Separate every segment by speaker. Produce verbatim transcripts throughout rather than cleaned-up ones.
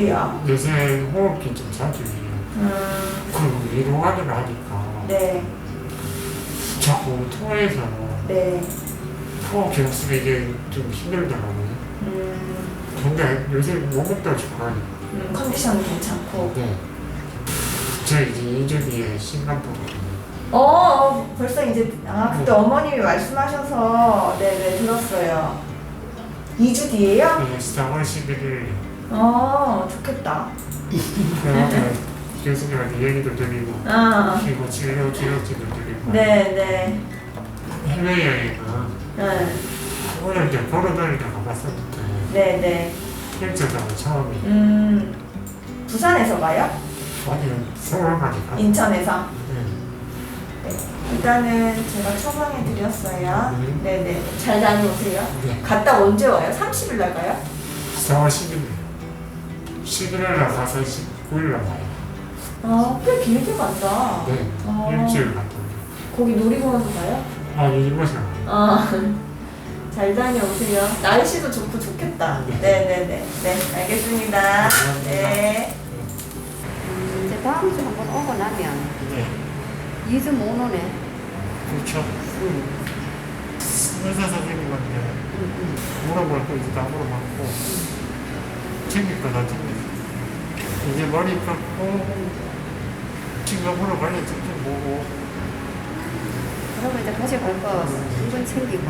Speaker 1: 어디요?
Speaker 2: 요새 호흡기 좀 자주 해요.
Speaker 1: 음,
Speaker 2: 그리고 이동하기를 하니까
Speaker 1: 네,
Speaker 2: 자꾸 토해서
Speaker 1: 네.
Speaker 2: 호흡기 없으면 이게 좀 힘들더라고요.
Speaker 1: 음,
Speaker 2: 근데 요새 몸도 좋아요.
Speaker 1: 음, 컨디션은 괜찮고.
Speaker 2: 네. 저 이제 이 주 뒤에 싱가포르 가요.
Speaker 1: 어, 어, 벌써 이제, 아, 그때 어머님이 말씀하셔서, 네네, 들었어요. 이 주 뒤에요?
Speaker 2: 네, 사월 십일일
Speaker 1: 어, 좋겠다.
Speaker 2: 그러면 교수님한테 얘기도 드리고
Speaker 1: 아,
Speaker 2: 그리고 진료 기록지도 드리고
Speaker 1: 네네.
Speaker 2: 해외여행은
Speaker 1: 네,
Speaker 2: 오늘 이제 걸어다니다 가봤었는데
Speaker 1: 네네.
Speaker 2: 일주일간 처음이
Speaker 1: 음, 부산에서 가요?
Speaker 2: 아니 서울까지 갔어요.
Speaker 1: 인천에서?
Speaker 2: 네.
Speaker 1: 네. 일단은 제가 처방해 드렸어요.
Speaker 2: 음.
Speaker 1: 네네. 잘 다녀오세요.
Speaker 2: 네.
Speaker 1: 갔다 언제 와요? 삼십 일 날 가요?
Speaker 2: 사월 십일일 십일일 날 가서 십구일 날 와요.
Speaker 1: 아, 꽤 길게 간다.
Speaker 2: 네.
Speaker 1: 어.
Speaker 2: 일주일 갔다 오요.
Speaker 1: 거기 놀이공원도 가요?
Speaker 2: 아니 이곳은
Speaker 1: 아, 잘 다녀오세요. 날씨도 좋고 좋겠다.
Speaker 2: 네.
Speaker 1: 네네네. 네, 알겠습니다.
Speaker 2: 감사합니다.
Speaker 1: 네.
Speaker 3: 이제 다음 주 한번 오고 나면
Speaker 2: 네.
Speaker 3: 이 주 못 오네.
Speaker 2: 그렇죠.
Speaker 3: 응.
Speaker 2: 의사 선생님한테 물어볼 거 이제 다 물어봤고 챙길 거 다 챙겼어. 이제 머리 감고 싱가포르 관련 직접 보고
Speaker 3: 그러면 이제 가져갈 거 이건 챙기고.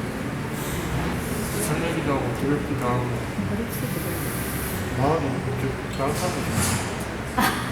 Speaker 2: 설레기도 하고 두렵기도 하고
Speaker 3: 그렇지, 그래.
Speaker 2: 마음이 이렇게 따뜻하고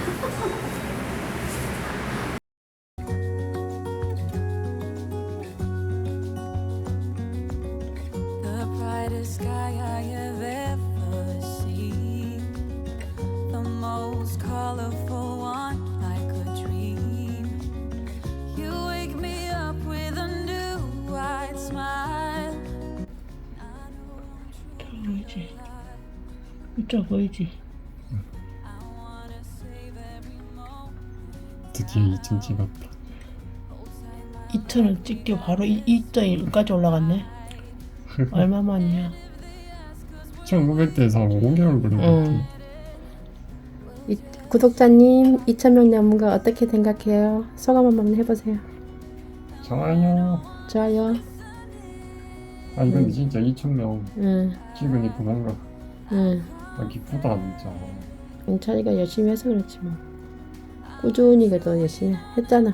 Speaker 4: The brightest sky I have ever seen, the most colorful one like a dream. You wake me up with a new white smile. I know I'm true.
Speaker 5: 보이지? 이쪽 보이지?
Speaker 4: I wanna save every moment.
Speaker 2: 드디어 이 층 찍었다.
Speaker 5: 이 턴을 찍고 바로 이, 이 턴까지 올라갔네? 얼마만이야?
Speaker 2: 천구백대에서 오 개월 걸린 것
Speaker 5: 응.
Speaker 3: 이, 구독자님, 이천 명 넘은 어떻게 생각해요? 소감 한번 해보세요.
Speaker 2: 좋아요.
Speaker 3: 좋아요.
Speaker 2: 아니 근데 진짜 이천 명
Speaker 3: 응,
Speaker 2: 찍으니까 뭔가
Speaker 3: 응.
Speaker 2: 아, 기쁘다 진짜.
Speaker 3: 영찬이가 열심히 해서 그렇지 뭐. 꾸준히 그래도 열심히 했잖아.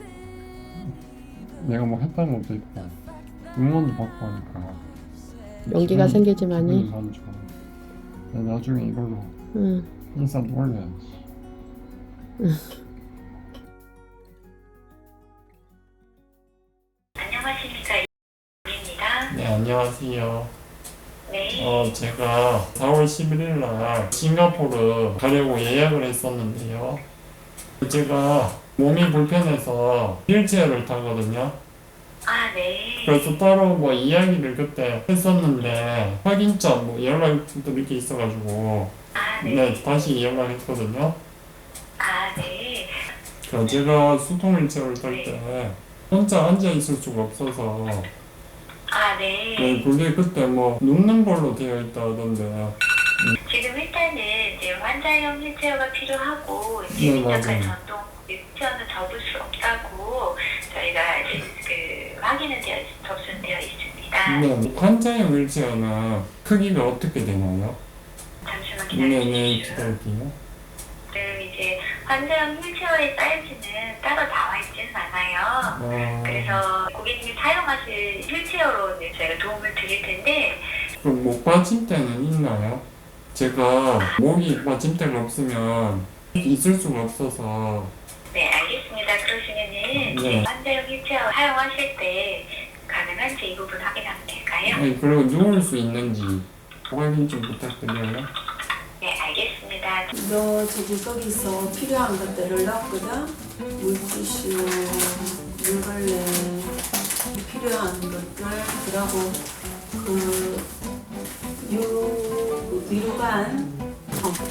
Speaker 2: 내가 뭐 했다는 것도 있고 응원도 받고 하니까
Speaker 3: 용기가
Speaker 2: 기분이-
Speaker 3: 생기지만이.
Speaker 2: 기분이 많이 좋아. 내가 나중에 이걸로
Speaker 3: 응.
Speaker 2: 인사도 올려야지.
Speaker 6: 안녕하십니까, 입니다.
Speaker 2: 네 안녕하세요.
Speaker 6: 네.
Speaker 2: 어 제가 사월 십일일 날 싱가포르 가려고 예약을 했었는데요. 제가 몸이 불편해서 휠체어를 타거든요.
Speaker 6: 아, 네.
Speaker 2: 그래서 따로 뭐 이야기를 그때 했었는데 확인점 뭐 연락도 이렇게 있어가지고
Speaker 6: 아, 네.
Speaker 2: 네 다시 연락했거든요.
Speaker 6: 아, 네.
Speaker 2: 그 제가 수동 휠체어를 탈 때 혼자 앉아 있을 수가 없어서
Speaker 6: 아, 네.
Speaker 2: 네, 그게 그때 뭐 눕는 걸로 되어 있다던데.
Speaker 6: 지금 일단은 이제 환자용 휠체어가 필요하고
Speaker 2: 네,
Speaker 6: 이제 민영관
Speaker 2: 맞아요.
Speaker 6: 전동 휠체어는 접을 수 없다고 저희가 이제 그 확인은 되어 있- 접수되어 있습니다.
Speaker 2: 네, 환자용 휠체어는 크기가 어떻게 되나요?
Speaker 6: 잠시만
Speaker 2: 네네
Speaker 6: 기다려주십시오.
Speaker 2: 기다릴게요.
Speaker 6: 그 이제 환자용 휠체어의 사이즈는 따로 나와 있지는 않아요.
Speaker 2: 아,
Speaker 6: 그래서 고객님이 사용하실 휠체어로 이제 저희가 도움을 드릴 텐데
Speaker 2: 그럼 목 받침대는 있나요? 제가 목이 받침대가 없으면 있을 수가 없어서.
Speaker 6: 네, 알겠습니다. 그러시면은
Speaker 2: 네.
Speaker 6: 이제 환자용 휠체어 사용하실 때 가능한지 이 부분 확인하면 될까요?
Speaker 2: 아니 그리고 누울 수 있는지 확인 좀 부탁드려요.
Speaker 6: 네, 알겠습니다.
Speaker 1: 너 저기 거기서 필요한 것들을 넣었거든? 물티슈, 물걸레, 필요한 것들, 그리고 그 유, 유관, 어,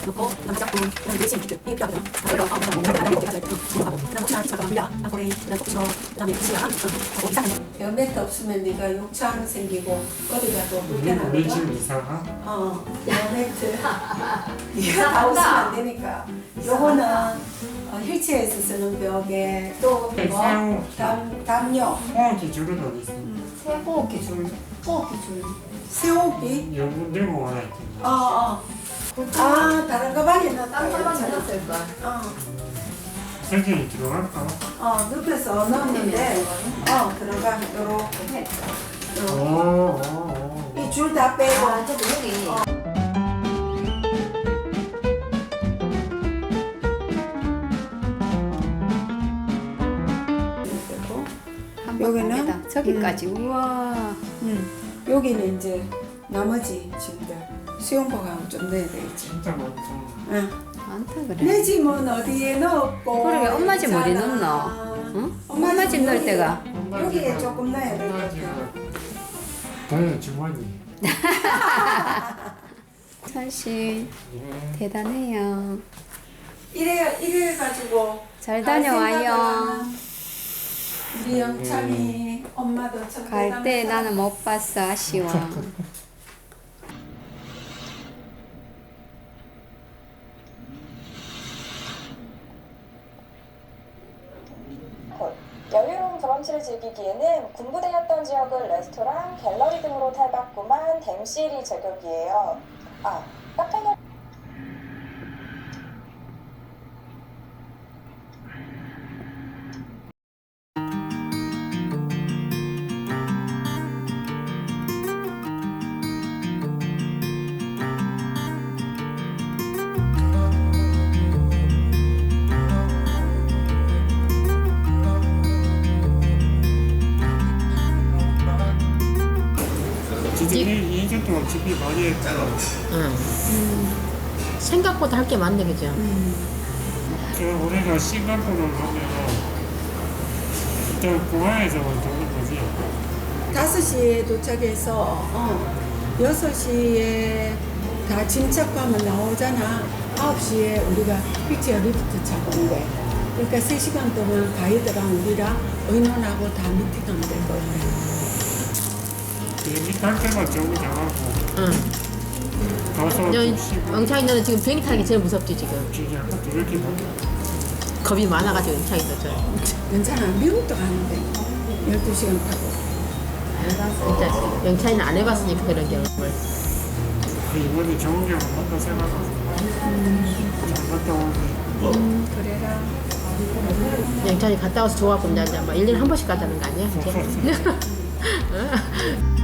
Speaker 3: 놓고 그다음 작품 그다음 내신 기트 이게 필요하거든. 그래서 어 그다음 뭔가 나를 어떻게 하자 하고 그다음 혹시나 집에 가면 아 고래 그다음 속초 그다음에 시야 하고 이상한 거.
Speaker 5: 여 매트 없으면 네가 욕창 생기고 어디 가도
Speaker 2: 우리
Speaker 5: 불편하거든.
Speaker 2: 집 이사가?
Speaker 5: 어, 여 매트. 네가 다 없으면 안 되니까. 요거는 어, 휠체어에서 쓰는 벽에 또
Speaker 2: 네,
Speaker 5: 뭐?
Speaker 2: 새우.
Speaker 5: 담, 담요,
Speaker 2: 호흡기 줄은 어디 있어?
Speaker 1: 호흡기 줄. 호흡기 줄.
Speaker 5: 새우기.
Speaker 2: 여분 들고 와야 돼.
Speaker 5: 어, 어. 아, 다른 가방에 넣었다.
Speaker 1: 딴 가방
Speaker 5: 괜찮아.
Speaker 1: 넣었을 거야.
Speaker 5: 어,
Speaker 2: 설정이 들어갈까?
Speaker 5: 어, 눕혀서 넣었는데, 어, 들어가. 요렇게.
Speaker 2: 오,
Speaker 5: 요렇게.
Speaker 2: 오, 오.
Speaker 5: 이 줄 다 빼고.
Speaker 1: 아, 저도 여기.
Speaker 5: 여기는
Speaker 7: 저기까지 우와
Speaker 5: 음, 여기는 이제 나머지 짐들 수영복하고 좀 넣어야 되겠지.
Speaker 2: 진짜 많다.
Speaker 5: 응.
Speaker 7: 많다 그래.
Speaker 5: 내 짐은 어디에 넣었고?
Speaker 7: 그러게, 엄마 짐 어디
Speaker 5: 있잖아.
Speaker 7: 넣노? 응? 엄마 집 넣을
Speaker 5: 여기,
Speaker 7: 때가.
Speaker 5: 여기에 조금 넣어야 될 것 같아.
Speaker 2: 네, 주머니.
Speaker 7: 선씨
Speaker 2: 예.
Speaker 7: 대단해요.
Speaker 5: 이래 이래 가지고
Speaker 7: 잘
Speaker 5: 갈
Speaker 7: 다녀와요.
Speaker 5: 생각은 우리 영창이 엄마도 참
Speaker 7: 갈 때
Speaker 5: 대단하다.
Speaker 7: 나는 못 봤어 아쉬워.
Speaker 8: 여유로운 브런치를 즐기기에는 군부대였던 지역을 레스토랑, 갤러리 등으로 탈바꿈한 댐시리 제격이에요. 아, 카페는
Speaker 2: 진짜 이 년 동안 집이 많이 했잖아.
Speaker 5: 음.
Speaker 3: 응. 생각보다 할 게 많네, 그죠?
Speaker 2: 그 우리가 싱가포르를 가면 일단 공항에서 도는 거지.
Speaker 5: 다섯 시에 도착해서 어, 여섯 시에 다 짐착하면 나오잖아. 아홉 시에 우리가 픽처 리프트 차고 온대. 그러니까 세 시간 동안 가이드랑 우리랑 의논하고 다 미팅하면 될 거야.
Speaker 2: 비행기 탈 때만 정리 정하고
Speaker 3: 응.
Speaker 2: 가서 좀 쉬고
Speaker 3: 영창이 너는 지금 비행기 타는 게 제일 무섭지, 지금.
Speaker 2: 기계 한 두 이렇게 다
Speaker 3: 겁이 많아가지고 영창이 너 저.
Speaker 5: 괜찮아. 미국도 가는데 열두 시간 타고.
Speaker 3: 진짜 영창이는 안 해봤으니까 그런 경험을.
Speaker 2: 그 이번에 좋은 경험 한다 생각하고 잘 갔다 오고
Speaker 5: 음, 그래라.
Speaker 3: 영창이 갔다 와서 좋아하고 이제 막 일 년에 한 번씩 가자는 거 아니야? 이제?